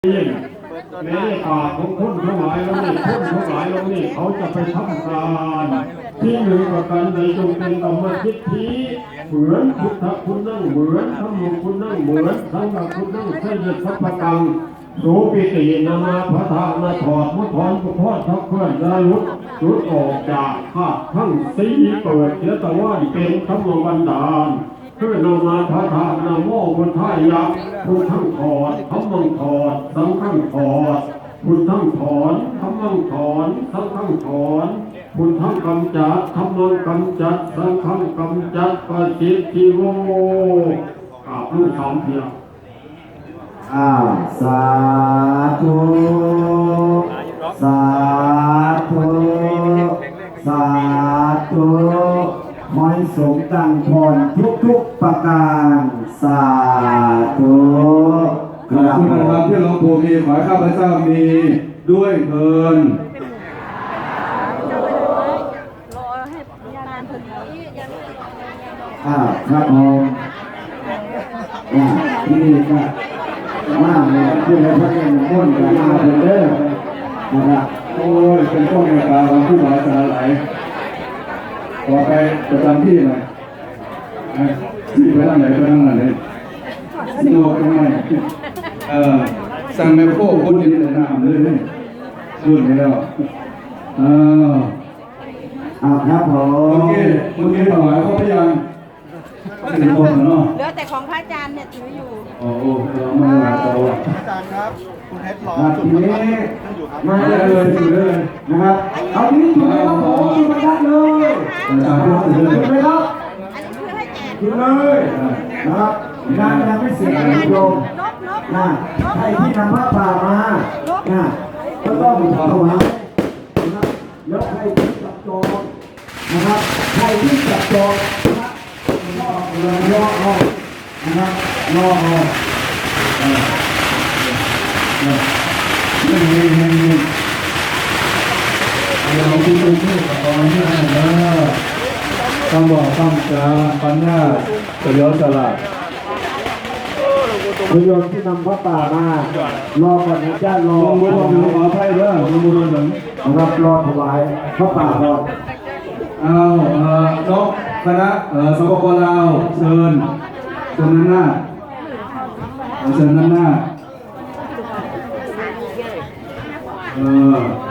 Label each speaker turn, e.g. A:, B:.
A: แม้ปากของคนทั้งหลายแล้วนี่คนทั้งหลายแล้วนี่เขาจะไปทำการที่หนึ่งประการใดจงเป็นกรรมทิฏฐิเหมือนพุทธคุณนั่งเหมือนธรรมคุณนั่งเหมือนสังฆคุณนั่งเสด็จสัพพกังโสปิตินามาพระธานาถอดมุทอนกุพอดทักเพื่อนระลุดออกจากข้าทั้งสีเปิดเชื้อตะวันเป็นธรรมบันดาลเพื่อนามาพระธานาโมพุทธายะพุทธังถอดธรรมังถอดสังฆังถอดพุทธังถอนธรรมังถอนสังฆังถอนพุทธังกำจัดธรรมังกำจัดสังฆังกำจัดปฏิทิโวลูกสามเพียง
B: สาธุสาธุสาธุขอให้สมดังพรทุกประการสาธุ
C: ขอบคุณนะครับที่หลวงปู่มีขอให้ข้าพเจ้ามีด้วยเถิด
B: ครับผมที่นี่ก็มาเลยที่เราพัฒนาต้นกันมาเป็นเด้อนะครับ
C: โอ้ยเป็นต้นในตาของผู้หลายสาหลายขอไปประจำที่หน่อยที่ไปทางไหนไปทางไหนโง่ทำไมสั่งแม่โค้คนนี้เลยน้ำเลยรุ่นนี้แล้ว
B: ครับผม
C: โอเคถวายเขาพยังถึงคนเนาะ
D: เหลือแต่ของพระอาจารย์เนี่ยถืออยู่
C: โอ้โหมาหลายตัว
E: อาจารย์ครับคุณเฮดรอ
B: จุดนี้มาเลยถือเลยนะครับเอาที่จุดเลยครับผมจุดประทัดเลย
C: อาจารย์ถือเลย
B: จุดเลยครับ
D: อันนี้คือให้แจก
B: จุดเลยนะครับงานยังไม่เสร็จนะโยมใครที่นำพระป่ามาก็ต้องถวายนะครับแล้วใครที่จับจองนะครับใครที่จับจองรอนะครับรอ
C: เราที่ดูที่กับตอนที่นั่นนะต้องบอกต้องจาปัญญาเฉลียวฉลาด
B: โยมที่นำพระป่ามารอก่อนนะจ้ารอ
C: มือถือขอไพ่เรื่องมือถือ
B: นะครับรอถวายพระป่าก่อน
C: น้องคณะสปปลาวเชิญด้านหน้าเชิญด้านหน้า